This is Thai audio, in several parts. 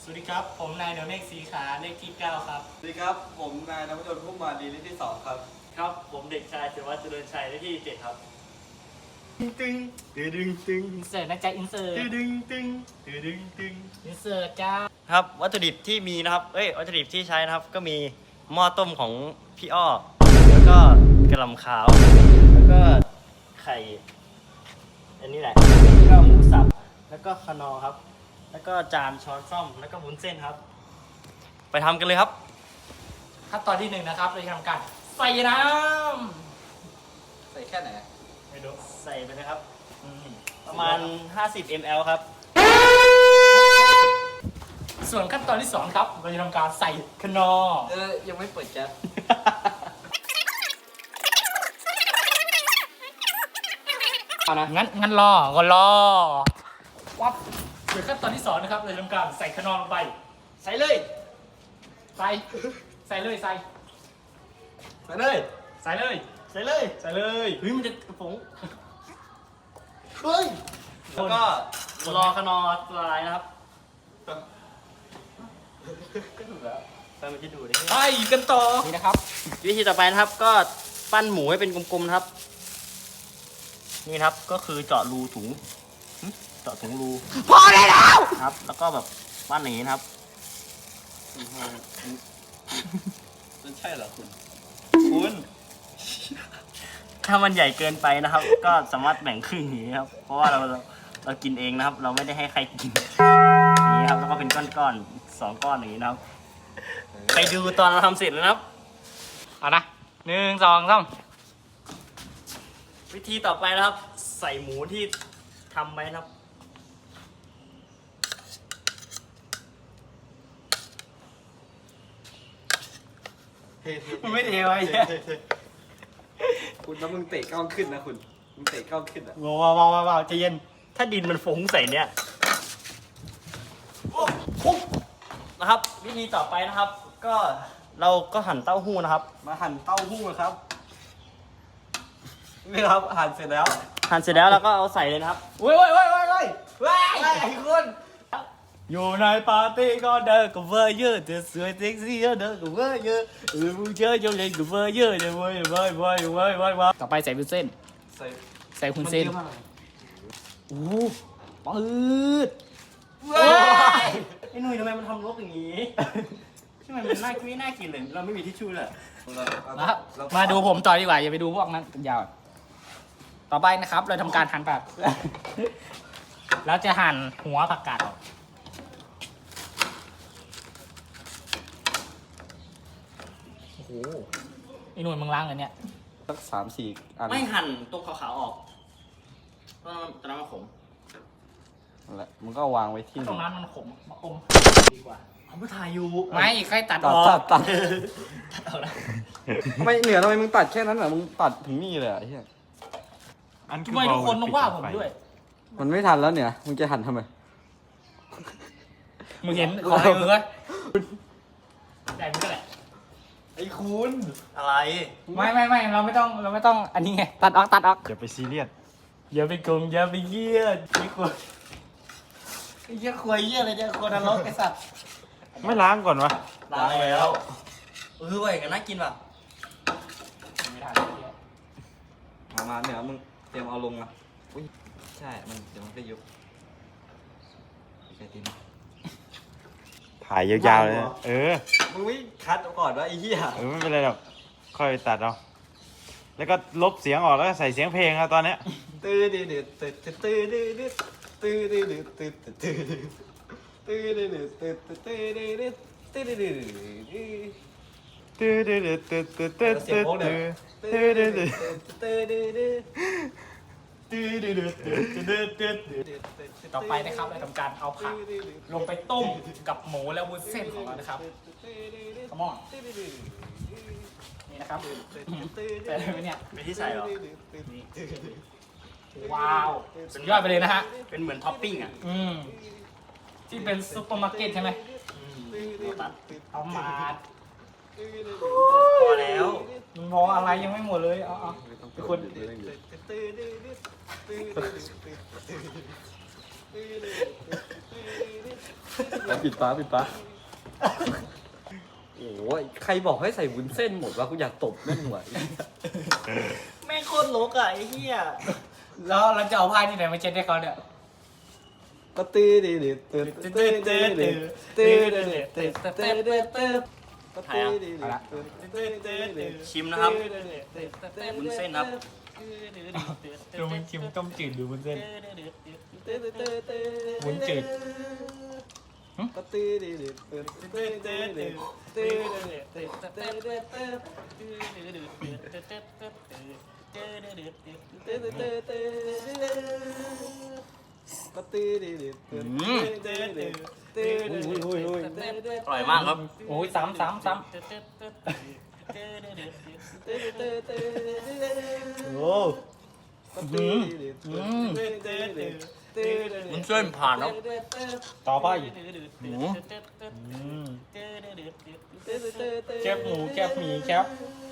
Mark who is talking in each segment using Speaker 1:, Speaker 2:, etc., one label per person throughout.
Speaker 1: สวัสดีครับผมนายเดวเมฆสีขาเลขที่9ครับ
Speaker 2: สวัสดีครับผมนายนพดลพุ่มมาดีเลขที่2ครับ
Speaker 1: ครับผมเด็กชายเสวัสดิ์เจริญชัยเลขที่7ครับ
Speaker 2: ตึงตึงตึง
Speaker 1: อินเสิร์ตนะจ๊ะอินเสิร์ต
Speaker 2: ตึงตึงตึงตึง
Speaker 1: อินเสิร์ตจ้า
Speaker 3: ครับวัตถุดิบที่มีนะครับวัตถุดิบที่ใช้นะครับก็มีหม้อต้มของพี่อ้อแล้วก็กระหล่ำขาวแล้วก็ไข่อันนี้แหละแล้วก็หมูสับแล้วก็คนอร์ครับแล้วก็จานช้อนส้อมแล้วก็วุ้นเส้นครับไปทำกันเลยครับ
Speaker 1: ขั้นตอนที่1นะครับเราจะทำการใส่น้
Speaker 2: ใส่แค่ไหน
Speaker 1: ำไม่รู้
Speaker 3: ใส่ไปนะครับประมาณ50 ml ครับ
Speaker 1: ส่วนขั้นตอนที่2ครับเราจะทำการใส่คนอร์
Speaker 2: ยังไม่เปิดแก๊ส
Speaker 1: เอานะงั้นรอวับส่วนขั้นตอนที่2นะครับเราจะทำการใส่คนอร์ลงไป
Speaker 3: ใส่เลย
Speaker 1: ใส่เลย
Speaker 2: ใส่เลย
Speaker 1: ใส่เลย
Speaker 3: ใส่เลย
Speaker 1: ใส่เลย
Speaker 3: เฮ้ยมันจะผง
Speaker 2: เฮ้ย
Speaker 3: แล้วก็รอคนอร์ละลายนะครับก็ถูกแล้วไปมันจะดูได้
Speaker 1: ไปกันต่อนี่นะครับ
Speaker 3: วิธีต่อไปนะครับก็ปั้นหมูให้เป็นกลมๆนะครับ นี่นะครับก็คือเจาะรูถุงเจาะถุงรูพอได้แล้วครับ แล้วก็แบบปั้นอย่างนี้นะครับ
Speaker 2: มันใช่เหรอคุณ
Speaker 3: ถ้ามันใหญ่เกินไปนะครับ ก็สามารถแบ่งครึ่งอย่างนี้ครับ เพราะว่าเรากินเองนะครับ เราไม่ได้ให้ใครกินอย่างนี้ครับแล้วก็เป็นก้อนๆ2 ก้อนอย่างนี้นะครับไปดูตอนเราทำเสร็จแล้วนะครับ
Speaker 1: เอานะ1 2 3
Speaker 3: วิธีต่อไปนะครับ ใส่หมูที่ทำไว้นะครับ
Speaker 1: มันไม่เทไว้
Speaker 2: คุณแล้วมึงเตะกล้องขึ้นนะคุณมึงเตะกล้องขึ้นอ่ะ
Speaker 1: ว้าวใจเย็น
Speaker 3: ถ้าดินมันฟุ้งใส่เนี่ยนะครับ วิธีต่อไปนะครับ ก็เราก็หั่นเต้าหู้นะครับ
Speaker 2: มาหั่นเต้าหู้ครับนี่ครับหั่นเสร็จแล้ว
Speaker 3: หั่นเสร็จแล้วเราก็เอาใส่เลยนะครับ
Speaker 1: เว้ยคุณ
Speaker 3: อยู่ในปาร์ตี้ก็เดินกับเวอร์เยอะจะสวยเซ็กซี่เดินกับเวอร์เยอะผู้เชื่อโยงเล่นกับเวอร์เยอะเลยเว้ย
Speaker 1: ต่อไปใส่วุ้นเส้น
Speaker 2: ใส่
Speaker 1: ใส่วุ้นเส้น
Speaker 2: มัยอะมาก
Speaker 1: โอ้ปืด
Speaker 3: ไอ้หนุ่ยทำไมมันทำรกอย่างนี้ทำไมมันไม่น่ากินเลยเราไม่มีทิชชู่เลย
Speaker 1: นะครับมาดูผมต่อดีกว่าอย่าไปดูพวกนั้นยาวต่อไปนะครับเราทำการหั่นผักแล้วจะหั่นหัวผักกาดออกโอ้โหไอ้หนุ่ยมึงล้างเลยเนี่ย
Speaker 2: สัก3-4 อัน
Speaker 3: ไม่หั่นตรงขาวๆออกตอนนั้นมันขม
Speaker 2: นั่นแหละมึงก็วางไว้ที่
Speaker 1: ตรงนั้นมันขมมาอมดีกว่า
Speaker 3: เอาไปถ่ายอยู่
Speaker 1: ไม่ใครตัดอ
Speaker 2: ตัด
Speaker 1: อก
Speaker 2: ตัดตัด
Speaker 3: ตัดเอาละ
Speaker 2: ไม่เหนือทำไมมึงตัดแค่นั้นเหรอมึงตัดถึงนี่เลยอ่ะไอ้เหี้ย
Speaker 1: ทำไมทุกคนต้องว่าผมด้วย
Speaker 2: มันไม่ทันแล้วเนี่ยมึงจะหั่นทำไม
Speaker 1: มึงเห็นของไอ้มึงไหมใหญ่มึงก็แหละ
Speaker 2: ไอ้คุณ
Speaker 3: อะไร
Speaker 1: ไม่เราไม่ต้องอันนี้ไงตัดออก
Speaker 4: อย่าไปซีเรียส
Speaker 1: อย่าไปโกงอย่าไปเยี่ยนไอ้คนไอ้เยี่ยควยเยี่ยอะไรเนี่ยคนนรกไอ้สัตว์
Speaker 4: ไม่ล้างก่อนวะ
Speaker 3: ล้างแล้วเว้ยกันน่ากินป่ะ
Speaker 1: ไม่ทัน
Speaker 2: มาเหนือมึงเตรียมเอาลงอ่ะอุ้ยใช่มันเดี๋ยวมันก็ยุบใช่ตีน
Speaker 4: ถ่ายยาวๆเลยนะ
Speaker 2: มึงไม่คัดก่อนวะไอ้เหี้ย
Speaker 4: ไม่เป็นไรหรอก ค่อยตัดเอา แล้วก็ลบเสียงออกแล้วก็ใส่เสียงเพลงเอาตอนเนี้ย
Speaker 2: ตื้อดื้อดื้อตื้อตื้อดื้อดื้อตื้อดื้อดื้อตื้อตื้อตื้อดื้อดื้อตื้อตื้อดื้อดื้อตื้อดื้อดื้อ
Speaker 4: ตื้อตื้อตื้อตื้อตื้อตื้อ
Speaker 2: เสียงโค้งเนี่ย
Speaker 4: ตื้อตื้อตื้อ
Speaker 2: ตื้อดื้อดื้อ
Speaker 1: ต่อไปนะครับเราทำการเอาผักลงไปต้มกับหมูและวุ้นเส้นของเรานะครับขมอนนี่นะครับใส่เลยไหมเนี่ย
Speaker 3: ไม่ที่ใส่หรอ
Speaker 1: ว้าวสุดยอดไปเลยนะฮะ
Speaker 3: เป็นเหมือนท็อปปิ้งอ่ะ
Speaker 1: ที่เป็นซุปเปอร์มาร์เก็ตใช่ไหม
Speaker 3: ตัด
Speaker 1: เอามา
Speaker 3: พอแล้ว
Speaker 1: มันพออะไรยังไม่หมดเลยเอาทุกคน
Speaker 2: ปิดฟ้าโอ้ยใครบอกให้ใส่วุ้นเส้นหมดวะกูอยากตบแม่งหัว
Speaker 3: แม่งโคตรลกอ่ะไอ้เหี้ย
Speaker 1: แล้วเราจะเอาผ้าที่ไหนมาเช็ดให้เขาเนี่ย
Speaker 2: ก็ตื้อดื้อดื้อตื้อตื้อตื้อตื้อตื้อตื้อตื้อตื้อตื้อตื้อก็ตื้อดื้อตื้อตื้อตื้อ
Speaker 3: ชิมนะครับวุ้นเส้นครับ
Speaker 1: ดูมันชิมต้มจืดดูวุ้นเส้น
Speaker 2: ตื้อตื้อตื้อ
Speaker 1: วุ้นจืด
Speaker 2: ก็ตื้อดื้อดื้อตื้อตื้อตื้อตื้อตื้อตื้อตื้อตื้อตื้อก็ตื้อดื้อดื้อตื้อตื้อตื้อตื้อ
Speaker 3: อร่อยมากครับ
Speaker 1: โอ้ยซ้ำ
Speaker 3: โอ้วุ้นเส้นผ่านแล้ว
Speaker 1: ต่อไป
Speaker 3: หมู
Speaker 1: แคบหมูแคบหมีแคบ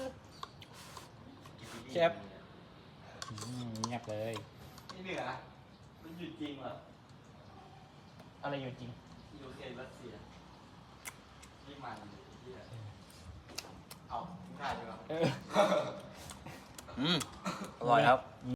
Speaker 1: เงียบเลย
Speaker 3: นี่เหนือมันหยุดจริงเหรอ
Speaker 1: อะไรอยู่จริง
Speaker 3: ยูเครนรัสเซียนี่มันเอาทิ้งท้ายดีกว่าอร่อยครับ